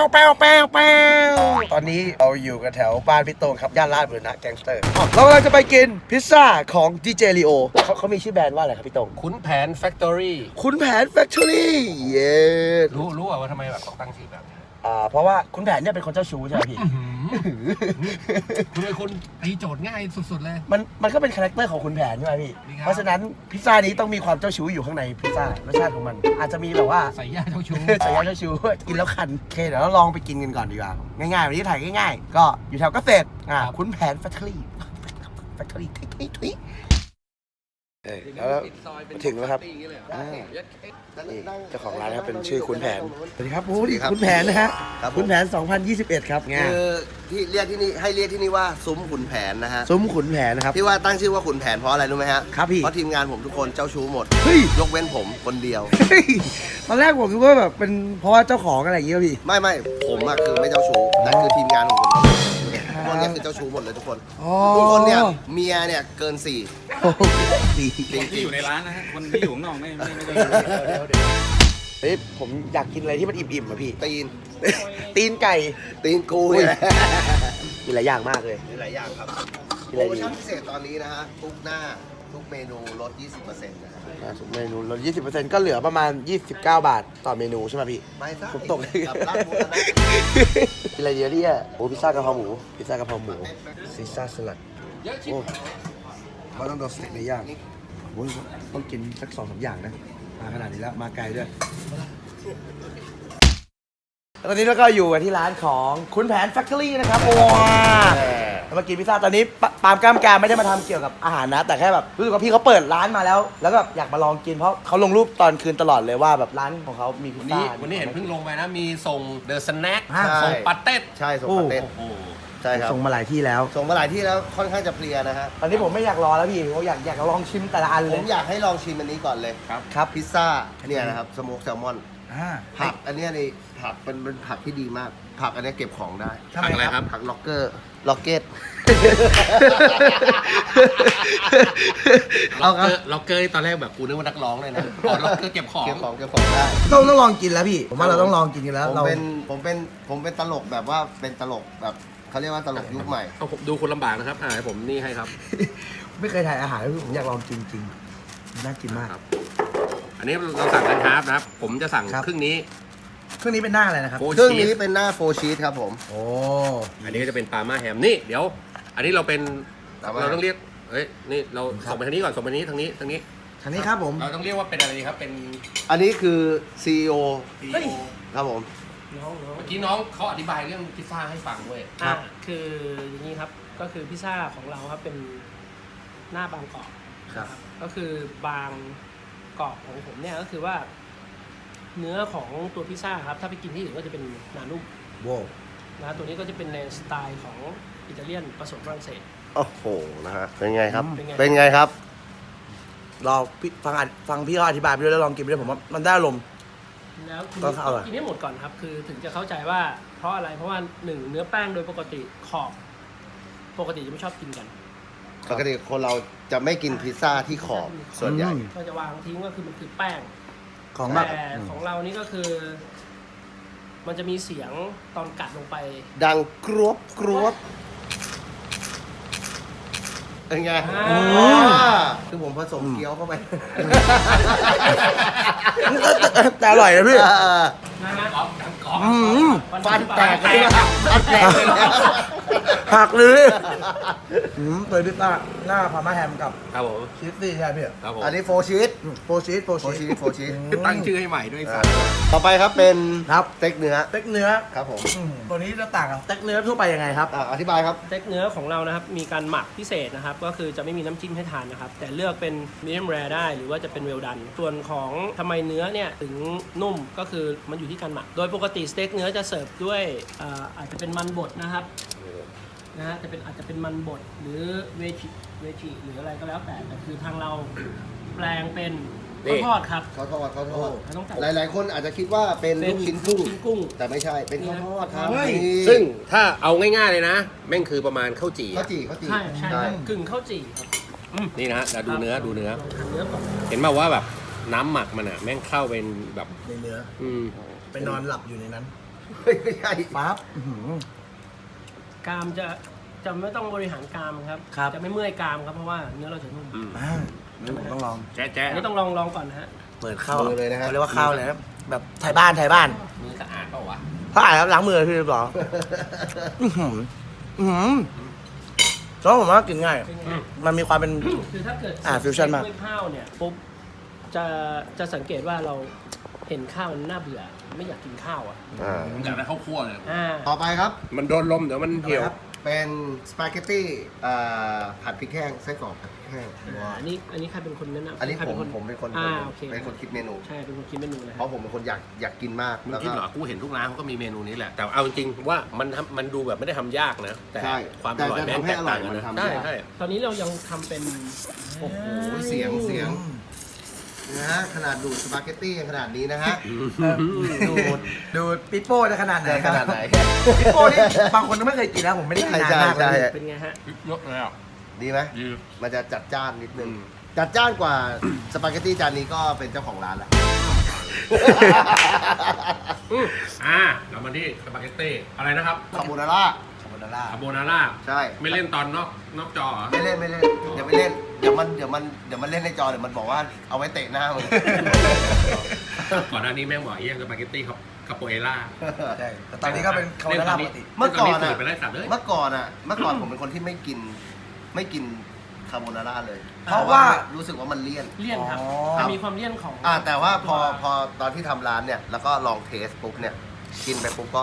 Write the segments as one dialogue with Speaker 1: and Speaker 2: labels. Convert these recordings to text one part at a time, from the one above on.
Speaker 1: ตอนนี้เราอยู่กันแถวบ้านพี่โต้งครับย่านลาดบุรณะแก๊งสเตอร์เรากำลังจะไปกินพิซซ่าของดีเจลีโอเขามีชื่อแบรนด์ว่าอะไรครับพี่โต้ง
Speaker 2: ขุนแผนแฟคทอรี่
Speaker 1: ขุนแผนแฟคทอรี่เย้
Speaker 2: รู้ว่าทำไมแบบต้องตั้งชื่อแบบนี้
Speaker 1: เพราะว่าขุนแผนเนี่ยเป็นคนเจ้าชู้ใช่ไหมพี่
Speaker 2: คุณเป็นคนตีโจทย์ง่ายสุดๆเลย
Speaker 1: มันก็เป็นคาแรคเตอร์ของขุนแผนใช่ไหมพี่ เพราะฉะนั้นพิซซ่านี้ต้องมีความเจ้าชู้อยู่ข้างในพิซซ่ารสชาติของมัน อาจจะมีแบบว่า
Speaker 2: ใส่ย่าเจ้าชู้
Speaker 1: ใส่ยาเจ้าชู้กินแล้วคันโอเคเดี๋ยวเราลองไปกินกันก่อนดีกว่าง่ายๆวันนี้ถ่ายง่ายๆก็อยู่แถวเกษตรขุนแผนแฟคทอรี่ทุยแล้วถึงแล้วครับนี่เจ้าของร้านนะครับเป็นชื่อขุนแผนสวัสดีครับขุนแผนนะฮะขุนแผน2021ครับ
Speaker 3: คือที่เรียกที่นี่ให้เรียกที่นี่ว่าซุ้มขุนแผนนะฮะ
Speaker 1: ซุ้มขุนแผนนะครับ
Speaker 3: ที่ว่าตั้งชื่อว่าขุนแผนเพราะอะไรรู้ไหมฮะ
Speaker 1: ครับพี่
Speaker 3: เพราะทีมงานผมทุกคนเจ้าชู้หมด
Speaker 1: เฮ้ย
Speaker 3: ยกเว้นผมคนเดียว
Speaker 1: ตอนแรกผมคิดว่าแบบเป็นเพราะว่าเจ้าของอะไรอย่างเงี้ยพี่
Speaker 3: ไม่ผมอะคือไม่เจ้าชู้แต่คือทีมงานของผมพวกนี้คือเจ้าชู้หมดเลยทุกคนทุกคนเนี่ยเมียเนี่ยเกิน4จริง
Speaker 4: ที่อยู่ในร้านนะฮะคนที่อยู่ข้างนอกไม่ได้
Speaker 1: เฮ้ยผมอยากกินอะไรที่มันอิ่มๆอ่ะพี่
Speaker 3: ตีน
Speaker 1: ไก่
Speaker 3: ตีนกูเนี่ย
Speaker 1: กินหลายอย่างมากเลย
Speaker 3: มีหลายอย่างครับ
Speaker 1: มี
Speaker 3: โป
Speaker 1: อะไรดี
Speaker 3: รโมชั่นพิเศษตอนนี้นะฮะทุกหน้าทุกเมนูลด 20%นะฮะ
Speaker 1: ทุกเมนูลด 20% ก็เหลือประมาณ 29 บาทต่อเมนูใช่ไหมพี่
Speaker 3: ไม่ใช่
Speaker 1: ผมตก
Speaker 3: กับร้านบูรณะ
Speaker 1: กินอะไรเยอะเนี่ยโอ้พิซซ่ากะเพราหมูพิซซ่ากะเพราหมูซีซ่าสลัดโอ้เขาต้องโดนสเต็กในย่างโอ้ยต้องกินสัก2-3 อย่างนะมาขนาดนี้แล้วมาไกลด้วยตอนนี้เราก็อยู่กันที่ร้านของขุนแผนแฟคทอรี่นะครับว้าเรามากินพิซซ่าตอนนี้ปาล์มกล้ามกาไม่ได้มาทำเกี่ยวกับอาหารนะแต่แค่แบบรู้สึกว่าพี่เขาเปิดร้านมาแล้วแล้วก็แบบอยากมาลองกินเพราะเขาลงรูปตอนคืนตลอดเลยว่าแบบร้านของเขามีพิซ
Speaker 2: วัน
Speaker 1: ซ่า
Speaker 2: นี้เห็นเพิ่งลงไปนะมีส่งเดอะสแน็ค
Speaker 1: อ่า
Speaker 2: ส่งปัตเต้
Speaker 3: ใช่ส่งปาเต้
Speaker 2: โอ้โห
Speaker 3: ใช่ครับ
Speaker 1: ส่งมาหลายที่แล้ว
Speaker 3: ส่งมาหลายที่แล้วค่อนข้างจะเพลียนะฮะ
Speaker 1: ตอนนี้ผมไม่อยากรอแล้วพี่ผมอยากลองชิมแต่ละอัน
Speaker 3: ผ
Speaker 1: เลย
Speaker 3: มอยากให้ลองชิมอันนี้ก่อนเลย
Speaker 1: ครับ
Speaker 3: พิซซ่าเนี่ยนะครับสโมกแซลมอน
Speaker 1: อ่า
Speaker 3: ผักอันเนี้ยนี่ผักเป็นผักที่ดีมาก ผักอันเนี้ยเก็บของได้
Speaker 1: ทำไมครับ
Speaker 3: ผักล็อกเกอร์ล็อกเก็ต
Speaker 2: ล็อกเกอร์ตอนแรกแบบกูนึกว่านักร้องเลยนะอ๋อล็อกเกอร์เก็บของ
Speaker 3: เก็บของได้
Speaker 1: ต้องลองกินแล้วพี่ผมว่าเราต้องลองกินกันแล้ว
Speaker 3: ผมเป็นตลกแบบว่าเป็นตลกแบบเขาเรียกว่าตลกยุคใหม่
Speaker 2: เอาผมดูคนลำบากนะครับให้ผมนี่ให้ครับ
Speaker 1: ไม่เคยถ่ายอาหารแล้วผมอยากลองกินจริงน่ากินมาก
Speaker 2: ครับ อันนี้เราสั่งกันฮาร์ฟนะครับผมจะสั่ง
Speaker 1: ครับ
Speaker 2: ครึ่งนี้
Speaker 1: เครื่องนี้เป็นหน้าอะไรนะครับ
Speaker 2: โฟ
Speaker 3: เครื่อง
Speaker 2: ชี
Speaker 3: นี้
Speaker 2: ส
Speaker 3: เป็นหน้าโฟชีสครับผม
Speaker 1: โอ้
Speaker 2: อันนี้ก็จะเป็นปาล์มาแฮมนี่เดี๋ยว อันนี้เราเป็น
Speaker 3: ปาล์มา
Speaker 2: เราต้องเรียกเฮ้ยนี่เราส่งไปทางนี้ก่อนส่งไปทางนี้ทางนี้
Speaker 1: ทางนี้ครับผม
Speaker 2: เราต้องเรียกว่าเป็นอะไรดีครับเป็น
Speaker 3: อันนี้คือ CEO
Speaker 1: เฮ้ย
Speaker 3: ครับผม
Speaker 2: เมื่อกี้น้องเขาอธิบายเรื่องพิซซ่าให้ฟังด้วย
Speaker 5: คืออย่างนี้ครับก็คือพิซซ่าของเราครับเป็นหน้าบางกรอบ
Speaker 3: ครับ
Speaker 5: ก็คือบางกรอบของผมเนี่ยก็คือว่า เนื้อของตัวพิซซ่าครับถ้าไปกินที่อื่นก็จะเป็นหนานุ่ม
Speaker 1: โว้
Speaker 5: นะตัวนี้ก็จะเป็นในสไตล์ของอิตาเลียนผสมฝรั่งเศส
Speaker 3: โอ้โหนะฮะเป็นไงครับ
Speaker 5: เป็นไง
Speaker 3: เป็นไงครับ
Speaker 1: รอพี่ฟังพี่เขาอธิบายไปด้วยแล้วลองกินไปด้วยผมว่ามันได้อารมณ์
Speaker 5: แล้วคุณ
Speaker 1: ต้องเอาเหรอ
Speaker 5: กินให้หมดก่อนครับคือถึงจะเข้าใจว่าเพราะอะไรเพราะว่าหนึ่งเนื้อแป้งโดยปกติขอบปกติจะไม่ชอบกินกัน
Speaker 3: ปกติคนเราจะไม่กินพิซซ่าที่ขอบส่วนใหญ่
Speaker 5: ก็จะวางทิ้งก็คือมันคือแป้ง
Speaker 1: ของแบบ
Speaker 5: แต่ของเรานี่ก็คือ มันจะมีเสียงตอนกัดลงไป
Speaker 3: ดังกรวบกรวบเป็นไง คือผมผสมเกี๊ยวเข้าไป
Speaker 1: แต่อร่อยนะพี่
Speaker 5: นะฮะ
Speaker 3: ฟันแตกเลยนะฟันแตกเลยนะ
Speaker 1: ผักเลยเปิดพิซซ่าหน้าพาร์มาแฮมกับ
Speaker 2: ครับผม
Speaker 1: ชีสซี่ใช่ไหมพี่
Speaker 2: ครับผม
Speaker 3: อันนี้โฟชีส
Speaker 1: โฟชีส
Speaker 3: โฟชีส
Speaker 2: ตั้งชื่อให้ใหม่ด้วยสัตว์
Speaker 3: ต่อไปครับเป็น
Speaker 1: ครับ
Speaker 3: สเต็กเนื้อ
Speaker 1: สเต็กเนื้อ
Speaker 3: ครับผม
Speaker 1: ตัวนี้จะต่างกับสเต็กเนื้อทั่วไปยังไงครับ
Speaker 3: อธิบายครับ
Speaker 5: สเต็กเนื้อของเรานะครับมีการหมักพิเศษนะครับ ก็คือจะไม่มีน้ำจิ้มให้ทานนะครับ แต่เลือกเป็นมีเดียมแรร์ได้หรือว่าจะเป็นเวลดันส่วนของทำไมเนื้อเนี่ยถึงนุ่มก็คือมันอยู่ที่การหมัก โดยปกติสเต็กเนื้อจะเสิร์ฟด้วยอาจจะเป็นมันบดนะครับนะฮะอาจจะเป็นมันบดหรือเวจิหรืออะไรก็แล้วแต่คือทางเราแปลงเป็นข้าวทอดครับ
Speaker 3: เขาทอด
Speaker 5: ต้องจัด
Speaker 3: หลายๆ คนอาจจะคิดว่าเป็นลูกชิ้นกุ้ง
Speaker 5: ลูกชิ้นกุ้ง
Speaker 3: แต่ไม่ใช่ เป็นข้าวทอดครับ
Speaker 1: เฮ้ย
Speaker 3: นี่
Speaker 2: ซึ่งถ้าเอาง่ายๆเลยนะแม่งคือประมาณข้าวจี่
Speaker 3: ข้าวจี่ข้าวจี่
Speaker 5: ใช่ใช่ครับกึ่งข้าวจี่ครับ
Speaker 2: นี่นะฮะเราดูเนื้อ
Speaker 5: ลองทานเนื้อก่อน
Speaker 2: เห็นมาว่าแบบน้ำหมักมันอ่ะแม่งเข้าเป็นแบบ
Speaker 1: ในเนื้อ
Speaker 2: อืม
Speaker 1: ไปนอนหลับอยู่ในนั้น
Speaker 3: ไม่ใช่
Speaker 1: ปั๊บ
Speaker 5: กรามจะไม่ต้องบริหารกรามครับ
Speaker 1: ครับ
Speaker 5: จะไม่เมื่อยกรามครับเพราะว่าเนื้อเราจะนุ่ม
Speaker 1: นี่ผมต้องลอง
Speaker 2: แจ๊ะแจ๊ะ
Speaker 5: อันนี้ต้องลองก่อนนะฮะ
Speaker 1: เปิดข้าว
Speaker 3: มือเลยนะฮะ
Speaker 1: เขาเรียกว่าข้าวเลยนะแบบไทยบ้าน
Speaker 2: มือสะอาดเปล่าวะ
Speaker 1: ถ้าอ่านครับล้างมือพี่หรอแล้วผมว่ากินง่าย
Speaker 5: เป็นไง
Speaker 1: มันมีความเป็น
Speaker 5: คือถ้าเกิด
Speaker 1: ฟิวชั่นมาก
Speaker 5: ด้วยข้าวเนี่ยปุ๊บจะสังเกตว่าเราเห็นข้าวมันน่าเบื่อไม่อยากกินข้าวอ่ะ
Speaker 2: อยากได้ข้าวคั่วเลย
Speaker 3: ต่อไปครับ
Speaker 2: มันโดนลมเดี๋ยวมันเหี่ยว
Speaker 3: เป็นสปาเกตตี้ผัดพริกแห้งไส้กรอกผัดพริกแห้ง
Speaker 5: อันนี้ใครเป็นคนแนะนำ
Speaker 3: อันนี้
Speaker 5: ใครเป็นคน
Speaker 3: ผมเป็นคน
Speaker 5: โอเค
Speaker 3: เป็นคนคิดเมนู
Speaker 5: ใช่เป็นคนคิดเมนูนะ
Speaker 3: เพราะผมเป็นคนอยากกินมาก
Speaker 2: มึง
Speaker 3: แล้ว
Speaker 2: คิด
Speaker 3: ก็
Speaker 2: เหรอ กูเห็นทุกร้านเขาก็มีเมนูนี้แหละ แต่เอาจริงๆว่ามันดูแบบไม่ได้ทำยากนะ แต่
Speaker 3: ใช่
Speaker 2: ความอร่อย
Speaker 3: แต่
Speaker 2: แม่ง
Speaker 3: ทำให้
Speaker 2: แตก
Speaker 3: อร่อ
Speaker 2: ต่าย งกัน
Speaker 3: มัน
Speaker 2: นะ
Speaker 3: ทำ
Speaker 2: ใช่
Speaker 3: ยาก
Speaker 2: ใช่
Speaker 5: ตอนนี้เรายังทำเป็น
Speaker 3: โอ้โหเสียงนะฮะขนาดดูดสปาเกตตี้ยังขนาดนี้นะฮะ
Speaker 1: ดูดปิโป้จะขนาดไหน
Speaker 3: ขนาดไหน
Speaker 1: ปิโป้นี่บางคนก็ไม่เคยกินแล้วผมไม่ได้กินนานมาก
Speaker 3: ใช่
Speaker 1: เลย
Speaker 5: เป็นไงฮะ
Speaker 2: ยกเลยอ่ะ
Speaker 3: ดีไหม
Speaker 2: ดี
Speaker 3: มันจะจัดจ้านนิดนึง จัดจ้านกว่าสปาเกตตี้จานนี้ก็เป็นเจ้าของร้านแล้ว
Speaker 2: เรามาที่สปาเกตตี้อะไรนะครับ
Speaker 3: คาโบนาร่า
Speaker 1: คาโบนาร่า
Speaker 2: คาโบนาร่า
Speaker 3: ใช่
Speaker 2: ไม่เล่นตอนนอกจอเหรอ
Speaker 3: ไม่เล่นอย่าไปเล่นเดี๋ยวมันเล่นในจอเดี๋ยวมันบอกว่าเอาไว้เตะหน้ามึง
Speaker 2: ก่อนหน้านี้แม่งบอกไอ้ยังสปาเกตตี้คาโปเอล่า
Speaker 1: ใช่แต่ตอนนี้ก็เป็นคาโบนาร่าปกติ
Speaker 3: เมื่อก่อน
Speaker 2: สู
Speaker 3: อะ
Speaker 2: ตรไปไล่สัตว์เลย
Speaker 3: เมื่อก่อนผมเป็นคนที่ไม่กินคาโบนาร่าเลย
Speaker 1: เพราะว่า
Speaker 3: รู้สึกว่ามันเลี่ยน
Speaker 5: เลี่ยนครับ
Speaker 1: อ๋อ
Speaker 5: มันมีความเลี่ยนของ
Speaker 3: แต่ว่าพอตอนที่ทำร้านเนี่ยแล้วก็ลองเทสปุ๊บเนี่ยกินไปปุ๊บก็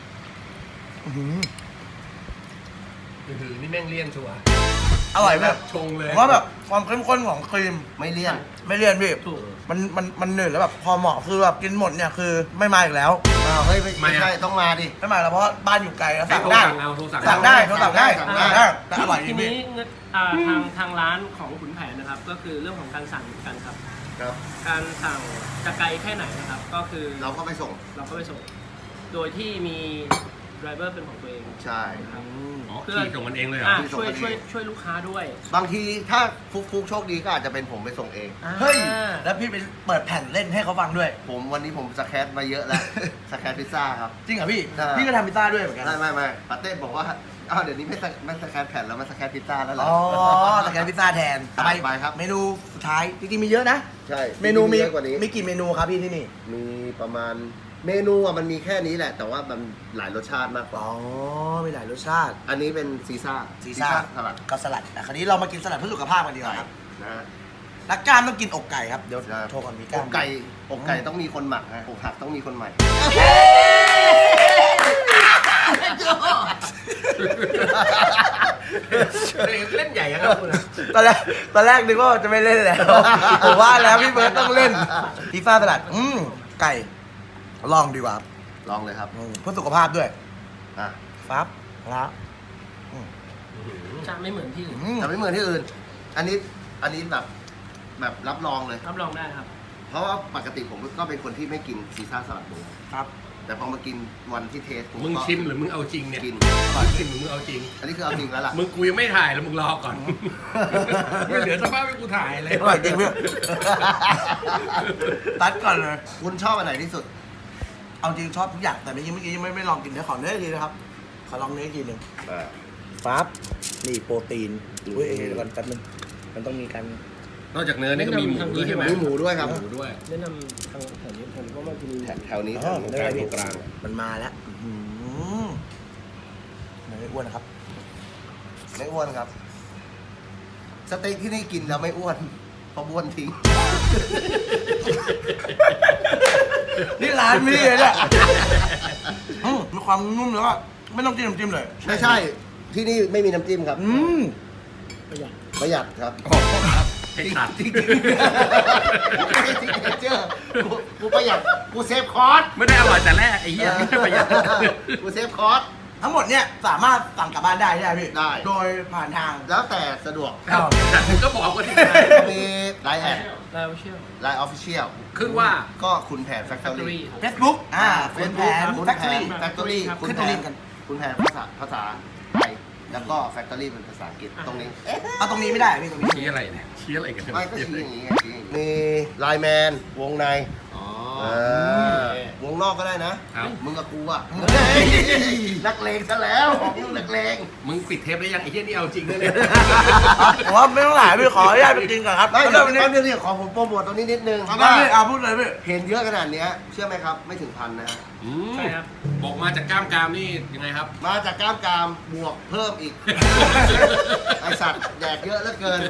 Speaker 2: นี่แม่งเลี่ยนชัวร์
Speaker 1: อร่อยแบบ
Speaker 2: ชงเลย
Speaker 1: ผมว่าแบบความเข้มข้นของครีม
Speaker 3: ไม่เลี่ยน
Speaker 1: ไม่เลี่ยนพี่
Speaker 5: ถูก
Speaker 1: มันหนืดแล้วแบบพอเหมาะคือแบบกินหมดเนี่ยคือไม่มาอีกแล้ว
Speaker 3: อ้าวเฮ้ยไม่ใช่ต้องมาดิ
Speaker 1: ไม่มาแล้วเพราะบ้านอยู่ไกลแล้วสั่ง
Speaker 2: โทร
Speaker 1: ได้
Speaker 2: สั่งเอาโทรสั่ง
Speaker 1: สั่งได้โทรสั่งได้
Speaker 3: สั่งได้
Speaker 1: แต่อร่อยจ
Speaker 5: ที
Speaker 1: ริง
Speaker 5: นี้
Speaker 1: พี่
Speaker 5: ทางร้านของขุนแผนนะครับ ก็คือเรื่องของการสั่งเหมือนกันครับ
Speaker 3: ครับ
Speaker 5: การสั่งจะไกลแค่ไหนนะครับ ก็คือ
Speaker 3: เราก็ไปส่ง
Speaker 5: เราก็ไปส่ง โดยที่มีไดรเวอร์เป็นของตัวเอง
Speaker 3: ใช่
Speaker 5: ครับ
Speaker 2: อ๋อขี่ส่งมันเองเลยเหรอ
Speaker 5: อ่ะช่วยลูกค้าด้วย
Speaker 3: บางทีถ้าฟุกโชคดีก็อาจจะเป็นผมไปส่งเอง
Speaker 1: เฮ้ย แล้วพี่ไปเปิดแผ่นเล่นให้เขาฟังด้วย
Speaker 3: วันนี้ผมสแครมาเยอะแล้ว สแครพิซซ่าครับ
Speaker 1: จริงเหรอพี่
Speaker 3: ใช่
Speaker 1: พี่ก็ทำพิซซ่าด้วยเหมือนกัน
Speaker 3: ไม่ปาเต้บอกว่าเดี๋ยวนี้ไม่สแครแผ่นแล้วมันสแครพิซซ่าแล้วเหรอ
Speaker 1: อ๋อสแกนพิซซ่าแทน
Speaker 3: ไปครับ
Speaker 1: เมนูสุดท้ายจริงๆมีเยอะนะ
Speaker 3: ใช่
Speaker 1: เมนูมี
Speaker 3: เยอะกว่านี้
Speaker 1: มีกี่เมนูครับพี่ที่นี่
Speaker 3: มีประมาณเมนูอะมันมีแค่นี้แหละ แต่ว่ามันหลายรสชาติมากกว่า
Speaker 1: อ๋อ มีหลายรสชาติ
Speaker 3: อันนี้เป็นซีซ่า
Speaker 1: ซีซ่า
Speaker 3: สลัด
Speaker 1: ก็สลัดแต่คราวนี้เรามากินสลัดเพื่อสุขภาพกันดีกว่าครับ
Speaker 3: นะ
Speaker 1: นักกล้ามต้องกินอกไก่ครับ เดี๋ยว
Speaker 3: ใช่
Speaker 1: โทรก่อนมีก
Speaker 3: อ
Speaker 1: ล้าม
Speaker 3: กไก่ต้องมีคนหมักฮะอกหักต้องมีคนใหม่
Speaker 2: เล่นใหญ่อะครับคุณ
Speaker 1: ตอนแรกนึกว่าจะไม่เล่นแล้วผมว่าแล้วพี่เบิร์ดต้องเล่นพิซซ่าสลัดไก่ลองดีกว่าครับ
Speaker 3: ลองเลยครับ
Speaker 1: เพื่อสุขภาพด้วย
Speaker 3: อ่ะ
Speaker 1: ครับแล้ว
Speaker 5: จะไม่เหมือนที่อื่น
Speaker 3: แต่ไม่เหมือนที่อื่น อันนี้แบบรับรองเลย
Speaker 5: รับรองได้ครับ
Speaker 3: เพราะว่าปกติผมก็เป็นคนที่ไม่กินซีซ่าสลัดหมู
Speaker 1: ครับ
Speaker 3: แต่พอมากินวันที่เทสผ
Speaker 2: มึง
Speaker 3: ก็
Speaker 2: ชิมหรือมึงเอาจริงเนี่ย
Speaker 3: กิน
Speaker 2: ก่อนชิมหรือมึงเอาจริง
Speaker 3: อันนี้คือเอาจริงแล้วล่ะ
Speaker 2: มึงกูยังไม่ถ่ายแล้วมึงรอก่อน ไม่เหลือสภาพให้กูถ่ายเลย
Speaker 1: อร่อยจริงเพื่อนตัดก่อนเลย
Speaker 3: คุณชอบอันไหนที่สุด
Speaker 1: เอาจริงชอบทุกอย่างแต่เมื่อกี้ยังไม่ลองกินเดี๋ยวขอเนื้ออีกทีนะครับ ขอลองเนื้ออีกทีหนึ่งปั๊บนี่โปรตีนอุ้ยเดี๋ยวก่อนแป๊บนึงมันต้องมีการ
Speaker 2: นอกจากเนื้อนี่ก็มีหมูด้วยใช่ไหม
Speaker 3: มีหมูด้วยครับ
Speaker 2: หมูด้วย
Speaker 5: แนะนำทางแถวนี้ผมก็มากิน
Speaker 3: แถวนี้
Speaker 1: อ๋อ
Speaker 3: แถว
Speaker 1: ได้
Speaker 3: นี้
Speaker 1: ไหม
Speaker 2: ตรงกลาง
Speaker 1: มันมาแล้วไม่อ้วนนะครับ
Speaker 3: ไม่อ้วนครับ สเต็กที่นี่กินแล้วไม่อ้วนเพราะบ้วนทิ้ง
Speaker 1: นี่ร้านพี่เลยเนี่ยมีความนุ่มแล้วก็ไม่ต้องจิ้มน้ำจิ้มเลย
Speaker 3: ไม่ใช่ ที่นี่ไม่มีน้ำจิ้มครับ
Speaker 5: ประหยัด
Speaker 3: ประหยัดครับ
Speaker 2: ให้ตัด
Speaker 3: จริงๆเจอกูประหยัด กูเซฟคอร์ส
Speaker 2: ไม่ได้อร่อยแต่แรกไอ้เหี้ยไม่ได้ประหยัด
Speaker 3: กูเซฟคอร์ส
Speaker 1: ทั้งหมดเนี่ยสามารถสั่งกลับบ้านได้ใช่ไหมพี่
Speaker 3: ได้
Speaker 1: โดยผ่านทาง
Speaker 3: แล้วแต่สะดวก
Speaker 2: แต่มึงก็บอกว่าที่ไหน
Speaker 3: มีไลน์แอด
Speaker 5: แล้วเชื่อ
Speaker 3: ไลน์ออฟฟิเชียล
Speaker 2: ขึ้นว่า
Speaker 3: ก็คุณแผนแฟคทอ
Speaker 5: Factory
Speaker 3: รี่
Speaker 5: ครับ
Speaker 1: Facebook คุณแผน
Speaker 3: คุณ
Speaker 1: แฟค
Speaker 3: แผ
Speaker 1: ทอรี่
Speaker 3: นแฟคทอรี่
Speaker 5: ครับ
Speaker 3: คุณ
Speaker 1: ขึ้น
Speaker 3: แผ
Speaker 1: ตัวลิ
Speaker 3: น
Speaker 1: งก์กัน
Speaker 3: คุณแผนภาษาไทย แล้วก็แฟคทอรี่เป็นภาษาอังกฤษตรงนี้
Speaker 1: เอาตรงนี้ไม่ได้พี่ตรงนี้
Speaker 2: ชี้อะไรเนี่ยชี้อะไรกัน
Speaker 3: ไม่ก็ชี้อย่างนี้ไงชี้มีไลน์แมนวงใน
Speaker 2: อ๋อ
Speaker 3: วงนอกก็ได้นะครับ มึงกับกูอ่ะนักเลงซะแล้วของมึงนักเลง
Speaker 2: มึงปิดเทปได้ยังไอ้เหี้ยนี่เอาจริงนะเนี่ย
Speaker 1: ผมว่าไม่ต้องหลายพี่ขออนุญาตไปกินก่อนครับ
Speaker 3: ไม่
Speaker 1: แล้ว
Speaker 3: เดี๋ยว
Speaker 1: วันนี้
Speaker 3: แป๊บนึงเนี่ยขอผมโปรโมทตรงนี้นิดนึง
Speaker 1: เอาได้พี่เอาพูดเลยพี่
Speaker 3: เห็นเยอะขนาดเนี้ยเชื่อไหมครับไม่ถึงพันนะฮะ
Speaker 5: ใช่ครับ
Speaker 2: บอกมาจากกล้ามกรามนี่ยังไงครับ
Speaker 3: มาจากกล้ามกรามบวกเพิ่มอีก ไอสัตว์แดกเยอะเหลือเกิน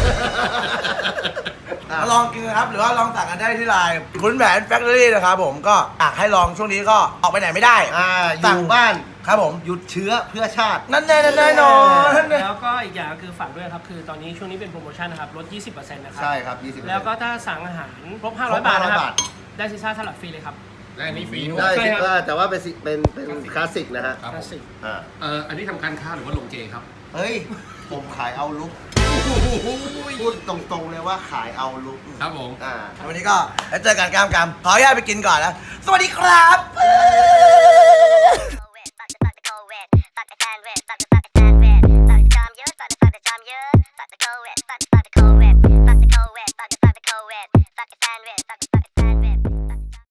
Speaker 1: มาลองกินนะครับ หรือว่าลองสั่งกันได้ที่ไลน์คุณแผนแฟคทอรี่นะครับผมก็อยากให้ลองช่วงนี้ก็ออกไปไหนไม่ได้
Speaker 3: อยู่บ้าน
Speaker 1: ครับผม
Speaker 3: หยุดเชื้อเพื่อชาติ
Speaker 1: นั่นแน่นั่นแน่นอนนั่นแน่
Speaker 5: แล้วก็อีกอย่างคือฝากด้วยครับ คือตอนนี้ช่วงนี้เป็นโปรโมชั่นนะครับ ลด 20%นะครับ
Speaker 3: ใช่ครับ 20%
Speaker 5: แล้วก็ถ้าสั่งอาหารครบ
Speaker 3: ครบ
Speaker 5: 500 บาทนะครับ
Speaker 3: 500 บาท
Speaker 5: ได้ซีซ่าสลัดฟรีเลยครับ
Speaker 2: ได้อันนี้ฟรีด้วย
Speaker 3: ได้
Speaker 5: ใช่ครับ
Speaker 3: แต่ว่าเป็นคลาสสิกนะฮะ
Speaker 2: ครับ
Speaker 5: ค
Speaker 2: ผ
Speaker 5: ลาม สสิก
Speaker 3: อ่า
Speaker 2: อันนี้ทำการค้าหรือว่าลงเจครับ
Speaker 3: เฮ้ย ผมขายเอาลุกพูดตรงๆเลยว่าขายเอาลุก
Speaker 2: ครับผม
Speaker 1: วันนี้ก็แล้วเจอกันกามกามขออนุญาตไปกินก่อนแล้ว สวัสดีครับ
Speaker 6: Fuck the sandwich, fuck the sandwich, fuck the sandwich, fuck the sandwich, fuck the time, fuck the time, fuck the time, fuck the